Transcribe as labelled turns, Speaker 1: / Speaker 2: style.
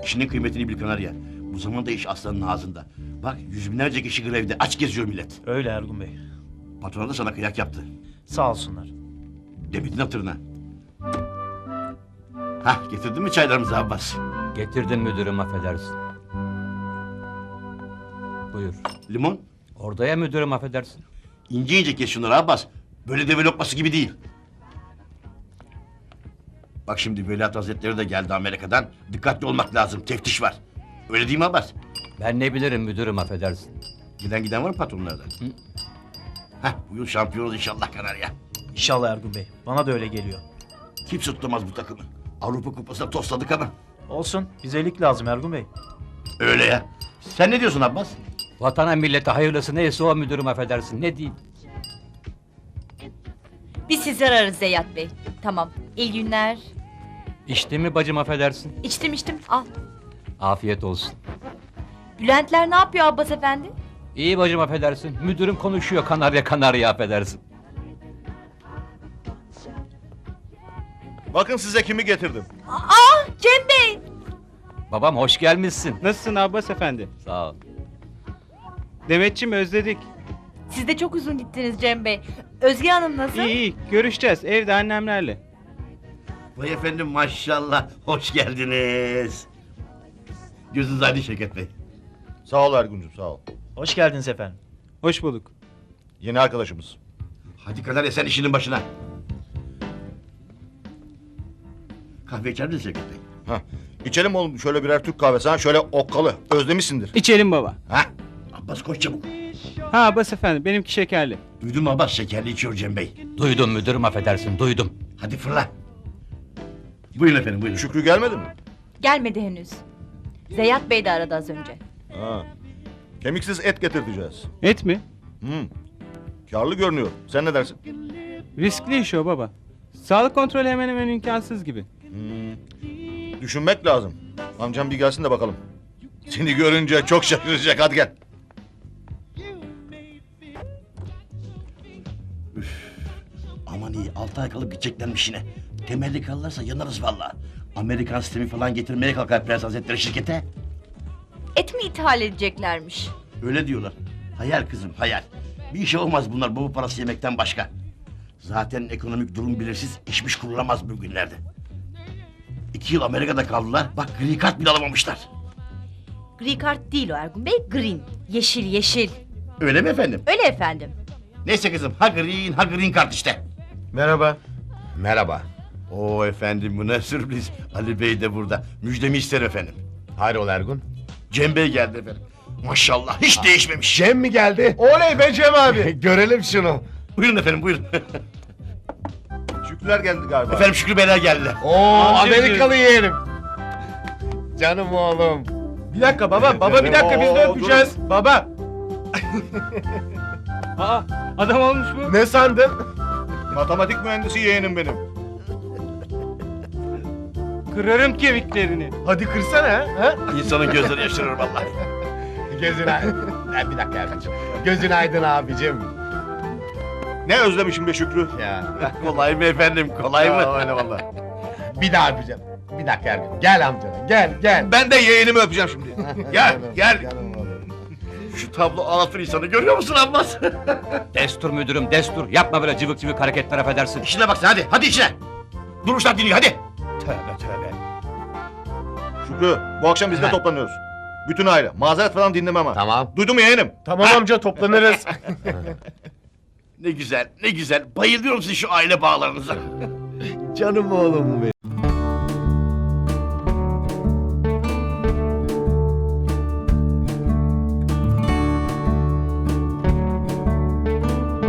Speaker 1: İşinin kıymetini bil Kanarya. Bu zamanda iş aslanın ağzında. Bak yüz binlerce kişi grevde. Aç geziyor millet.
Speaker 2: Öyle Ergun Bey.
Speaker 1: Patron da sana kıyak yaptı.
Speaker 2: Sağ olsunlar.
Speaker 1: Demedin hatırına. Hah getirdin mi çaylarımızı Abbas?
Speaker 3: Getirdim müdürüm, affedersin. Buyur.
Speaker 1: Limon?
Speaker 3: Orada ya müdürüm, affedersin.
Speaker 1: İnce ince kes şunları Abbas. Böyle deve lokması gibi değil. Bak şimdi Veliaht Hazretleri de geldi Amerika'dan. Dikkatli olmak lazım. Teftiş var. Öyle değil mi Abbas?
Speaker 3: Ben ne bilirim müdürüm, affedersin.
Speaker 1: Giden var mı patronlardan? Hah bu yıl şampiyonuz inşallah Kanarya.
Speaker 2: İnşallah Ergun Bey. Bana da öyle geliyor.
Speaker 1: Kimse tutamaz bu takımı. Avrupa Kupası'na tosladık ama.
Speaker 2: Olsun. Bize lig lazım Ergun Bey.
Speaker 1: Öyle ya. Sen ne diyorsun Abbas?
Speaker 3: Vatana millete hayırlısı neyse o müdürüm, affedersin. Ne diyeyim?
Speaker 4: Biz sizi ararız Zeyyat Bey. Tamam. İyi günler.
Speaker 3: İçti mi bacım, affedersin?
Speaker 4: İçtim. Al.
Speaker 3: Afiyet olsun.
Speaker 4: Bülentler ne yapıyor Abbas efendi?
Speaker 3: İyi bacım, affedersin. Müdürüm konuşuyor, kanarya affedersin.
Speaker 5: Bakın size kimi getirdim.
Speaker 4: Cem Bey!
Speaker 3: Babam hoş gelmişsin.
Speaker 6: Nasılsın Abbas efendi?
Speaker 3: Sağ ol.
Speaker 6: Demetçim, özledik.
Speaker 4: Siz de çok uzun gittiniz Cem Bey. Özge Hanım nasıl?
Speaker 6: İyi görüşeceğiz evde annemlerle.
Speaker 1: Vay efendim maşallah. Hoş geldiniz. Gözünüz aydın Şevket Bey.
Speaker 5: Sağ ol Ergun'cum sağ ol.
Speaker 2: Hoş geldiniz efendim.
Speaker 6: Hoş bulduk.
Speaker 5: Yeni arkadaşımız.
Speaker 1: Hadi Kanarya sen işinin başına. Kahve içer misin Şevket Bey?
Speaker 5: Hah. İçelim oğlum şöyle birer Türk kahvesi ha şöyle okkalı. Özlemişsindir.
Speaker 6: İçelim baba.
Speaker 1: Ha? Abbas koş çabuk.
Speaker 6: Ha Abbas efendi, benimki şekerli.
Speaker 1: Duydun mu Abbas? Şekerli içiyor Cem Bey.
Speaker 3: Duydum müdürüm, affedersin, duydum.
Speaker 1: Hadi fırla. Buyurun efendim buyurun.
Speaker 5: Şükrü gelmedi mi?
Speaker 4: Gelmedi henüz. Zeyyat Bey de aradı az önce.
Speaker 5: Ha. Kemiksiz et getirteceğiz.
Speaker 6: Et mi?
Speaker 5: Karlı görünüyor. Sen ne dersin?
Speaker 6: Riskli iş o baba. Sağlık kontrolü hemen hemen imkansız gibi.
Speaker 5: Düşünmek lazım. Amcam bir gelsin de bakalım. Seni görünce çok şaşıracak hadi gel.
Speaker 1: Aman iyi 6 ay kalıp gideceklermiş yine. Temelli kalırlarsa yanarız valla. Amerikan sistemi falan getirmeye kalkar Prens Hazretleri şirkete.
Speaker 4: Et mi ithal edeceklermiş?
Speaker 1: Öyle diyorlar. Hayal kızım hayal. Bir işe olmaz bunlar baba parası yemekten başka. Zaten ekonomik durum belirsiz işmiş kurulamaz bugünlerde. 2 yıl Amerika'da kaldılar. Bak gri kart bile alamamışlar.
Speaker 4: Gri kart değil o Ergun Bey. Green. Yeşil.
Speaker 1: Öyle mi efendim?
Speaker 4: Öyle efendim.
Speaker 1: Neyse kızım ha green kart işte.
Speaker 5: Merhaba.
Speaker 1: Merhaba. Oo efendim bu ne sürpriz. Ali Bey de burada. Müjdemi ister efendim.
Speaker 7: Hayrola Ergun?
Speaker 1: Cem Bey geldi efendim. Maşallah hiç değişmemiş.
Speaker 7: Cem mi geldi? Oley be Cem abi! Görelim şunu.
Speaker 1: Buyurun efendim buyurun.
Speaker 5: Şükrüler geldi galiba.
Speaker 1: Efendim Şükrü Beyler geldiler.
Speaker 7: Oo Amerikalı yeğenim. Canım oğlum.
Speaker 6: Bir dakika baba bir dakika biz de
Speaker 5: Oo,
Speaker 6: öpeceğiz. Baba. Aa, adam olmuş bu.
Speaker 7: Ne sandın?
Speaker 5: Matematik mühendisi yeğenim benim.
Speaker 6: Kırarım kemiklerini.
Speaker 7: Hadi kırsana ha?
Speaker 1: İnsanın gözleri yaşarır vallahi.
Speaker 7: Gözün aydın. Bir dakika Ergun'cum. Gözün aydın abicim.
Speaker 5: Ne özlemişim be Şükrü.
Speaker 7: Ya.
Speaker 1: Kolay mı efendim kolay mı?
Speaker 7: Öyle vallahi. Bir daha öpeceğim. Bir dakika Ergun. Gel amcana gel.
Speaker 5: Ben de yeğenimi öpeceğim şimdi.
Speaker 1: Gel,
Speaker 7: Canım,
Speaker 1: gel.
Speaker 7: canım oğlum.
Speaker 1: Şu tablo ağlatır insanı görüyor musun Abbas?
Speaker 3: Destur müdürüm, destur. Yapma böyle cıvık cıvık hareketler, affedersin.
Speaker 1: İşine baksana hadi işine. Durmuşlar dinliyor hadi.
Speaker 3: Tövbe.
Speaker 5: Şükrü bu akşam biz de toplanıyoruz. Bütün aile. Mazeret falan dinlemem ha.
Speaker 7: Tamam.
Speaker 5: Duydun mu yeğenim?
Speaker 7: Tamam amca toplanırız.
Speaker 1: Ne güzel bayılıyorum sizin şu aile bağlarınıza.
Speaker 7: Canım oğlum benim.